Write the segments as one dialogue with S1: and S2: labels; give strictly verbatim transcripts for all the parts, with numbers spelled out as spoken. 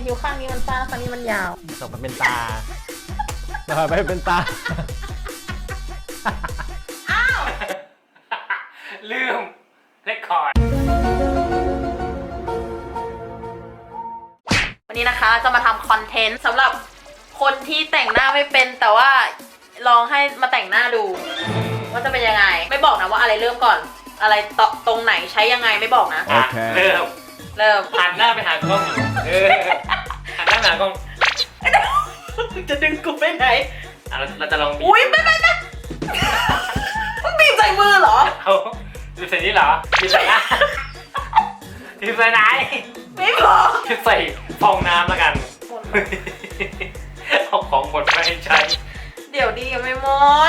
S1: คิ้วข้างนี้มันสั้นข้างนี้มันยาว
S2: ตกมันเป็นตาต่อไปเป็นตา
S1: อ้าว
S3: ลืมเรคคอร์ด
S1: วันนี้นะคะจะมาทำคอนเทนต์สำหรับคนที่แต่งหน้าไม่เป็นแต่ว่าลองให้มาแต่งหน้าดูว่าจะเป็นยังไงไม่บอกนะว่าอะไรเริ่มก่อนอะไรตรงไหนใช้ยังไงไม่บอกนะ
S3: โอเคเริ่ม
S1: เริ่ม
S3: หันหน้าไปหากล้องเออหันหน้าไปหากล้อง
S1: จะดึงกูไปไหน
S3: เราจะลองบีบ
S1: อุ้ยไม่ไม่ไม่บีบใส่มือเหรอ
S3: เอาบีบใส่นี่เหรอบีบใส่หน้าบีบใส่ไหน
S1: ไม่พอ
S3: บีบใส่ฟองน้ำแล้วกันเอาของหมดไปให้ใช้
S1: เดี๋ยวดียังไม่หมด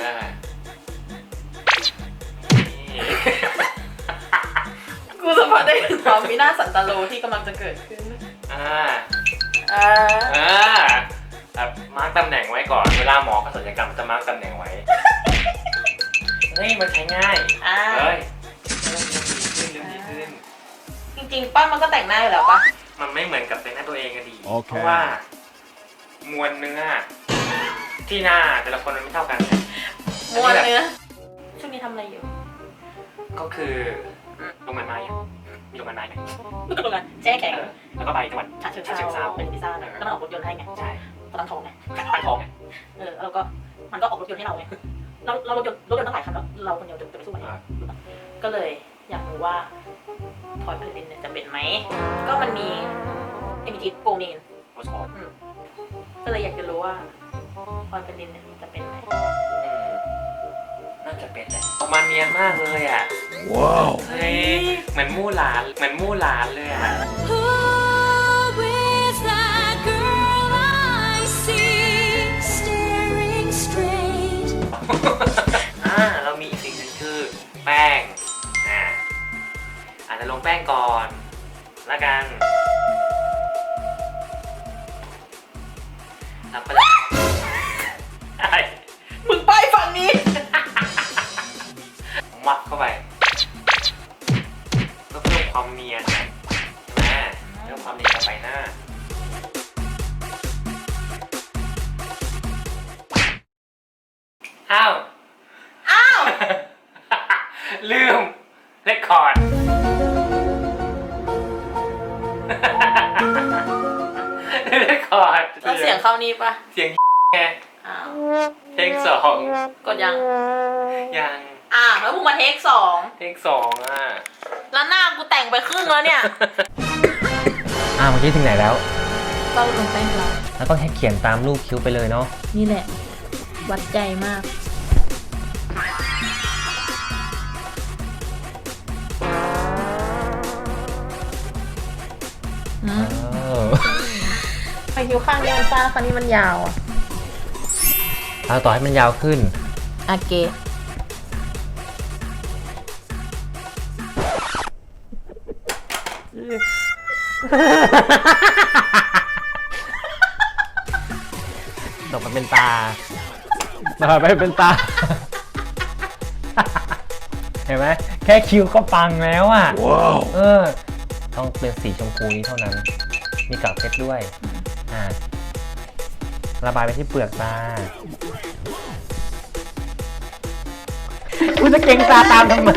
S1: กูสัมผัสได้ถึงความวินาศสันตโลที่กำลังจะเกิดขึ้นอ่า
S3: อ่าอ่าแบบมาร์กตำแหน่งไว้ก่อนเวลาหมอเขาศัลยกรรมจะมาร์กตำแหน่งไว้เฮ้ยมันใช้ง่ายเฮ้ยเริ่มดีขึ้นเริ่มดีขึ้น
S1: จริงๆป้ามันก็แต่งหน้าอยู่แล้วปะ
S3: มันไม่เหมือนกับแต่งหน้าตัวเองอะดีเพราะว่ามวลเนื้อที่หน้าแต่ละคนมันไม่เท่ากัน
S1: มวลเนื้อช่วงนี้ทำอะไรอยู่
S3: ก็คือลงมันไม้มีลงมันไม้ไหม
S1: ก็ลงกันแช่แข็ง
S3: แล้วก็ไปจังหวัด
S1: ฉะเชิงเทราเป็นพิซซ่าแล้วมันออกรถยนต์ให้ไง
S3: ใช่
S1: ตอนนั้นทองไง
S3: ตั้งทองไง
S1: เออแล้วก็มันก็ออกรถยนต์ให้เราไงเราเรารถยนต์รถยนต์ตั้งหลายคันแล้วเราคนเดียวจะไปสู้มันก็เลยอยากรู้ว่าพลอยไพลินเนี่ยจะเป็นไหมก็มันมีเอมิจิโกเมนก็เลยอยากจะรู้ว่าพลอยไพลินเนี่ยจะเป็นไหม
S3: น่าจะเป็นแหละออกมาเนียนมากเลยอ่ะว้าวเฮ้ยเหมือนมู่หลานเหมือนมู่หลานเลยอ่ะอ่าเรามีอีกสิ่งหนึ่งคือแป้งอ่าอาจจะลงแป้งก่อนละกันแล้วก็อะไร
S1: มึงไปฝั่งนี้
S3: มัดเข้าไปเพื่อเพิ่มความเนียนใช่ไหมเพิ่มความเนียนกับใบหน้าอ้าว
S1: อ้าว
S3: ลืมเรคคอร์ดเรคคอร์ด
S1: แล้วเสียงเข้านี่ปะ
S3: เสียงแค่เทคสอง
S1: กดยัง
S3: ยัง
S1: อ่าแล้วมึงมาเทคสอง
S3: เทคสองอ่ะ
S1: แล้วหน้ากูแต่งไปครึ่งแล้วเนี่ย
S2: อ่าเมื่อกี้ถึงไหนแล้ว
S1: ก็ลงแป้งแล้ว
S2: แล้วก็แค่เขียนตามรูปคิ้วไปเลยเนาะ
S1: นี่แหละวัดใจมากไปคิ้วข้างนี้มันสั้นข้างนี้มันยาวอ่ะ
S2: เอาต่อให้มันยาวขึ้น
S1: โอเค
S2: ตกมันเป็นตาต่อไปเป็นตาเห็นไหมแค่คิ้วก็ปังแล้วอ่ะว้าวเออต้องเป็นสีชมพูนี้เท่านั้นมีกากเพชรด้วยอ่าระบายไปที่เปลือกตาคุณจะเก่งตาตามทำไม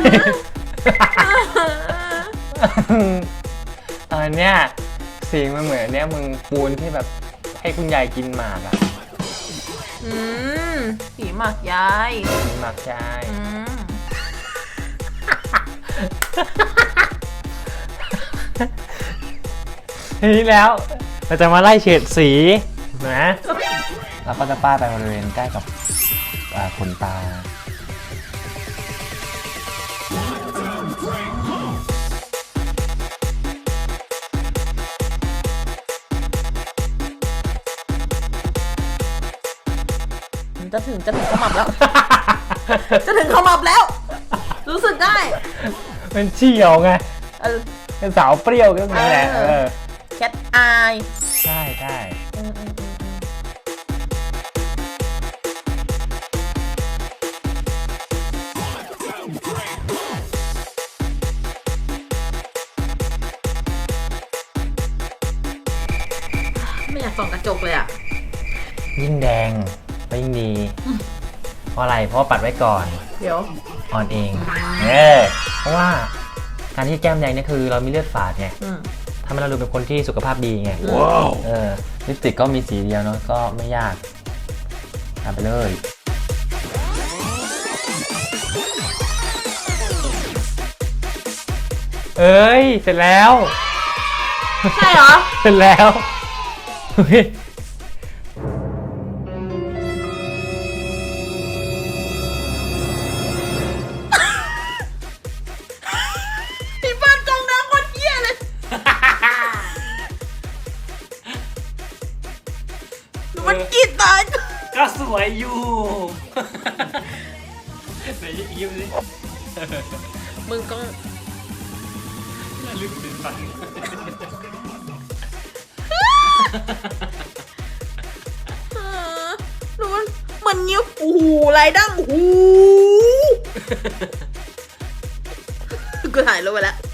S2: เออเนี่ยสีมันเหมือนเนี่ยมึงปูนที่แบบให้คุณยายกินหมากอ่ะ
S1: อืมสีหมากยาย
S2: สีหมากยายทีนี้แล้วเราจะมาไล่เฉดสีนะแล้วก็จะป้ายไปบริเวณใกล้กับขนตา
S1: จะถึงจะถึงขมับแล้วจะถึงขมับแล้วรู้สึกได้
S2: เป็นเชี่ยวไงเป็นสาวเปรี้ยวก็มีแหละ
S1: แคทอาย
S2: ใช่ใช่
S1: อยากส่องกระจกเลยอ่ะ
S2: ยิ่งแดงก็ยิ่งดี เพราะอะไร เพราะว่าปัดไว้ก่อน
S1: เดี๋ยว
S2: อ่อนเอง เออ เพราะว่าการที่แก้มแดงเนี่ยคือเรามีเลือดฝาดไง
S1: อืม
S2: ทำให้เราดูเป็นคนที่สุขภาพดีไง
S1: ว้าว
S2: เออ ลิปสติกก็มีสีเดียวเนาะ ก็ไม่ยากทำไปเลย เอ้ย เสร็จแล้ว
S1: ใช่เหรอ
S2: เสร็จแล้วเฮ้ย
S1: พี่เปิ้ลจงน้ำคนเหี้ยเลยหนูมันกรีดตาย
S3: ก็สวยอยู่ไหนยิ้มสิ
S1: มึงต้อง
S3: ลึกถึงฝัน
S1: เออหนูมันมันเงี้ยวโอ้โหไรดั้งโอ้โหกูถ่ายรูปไปแล้ว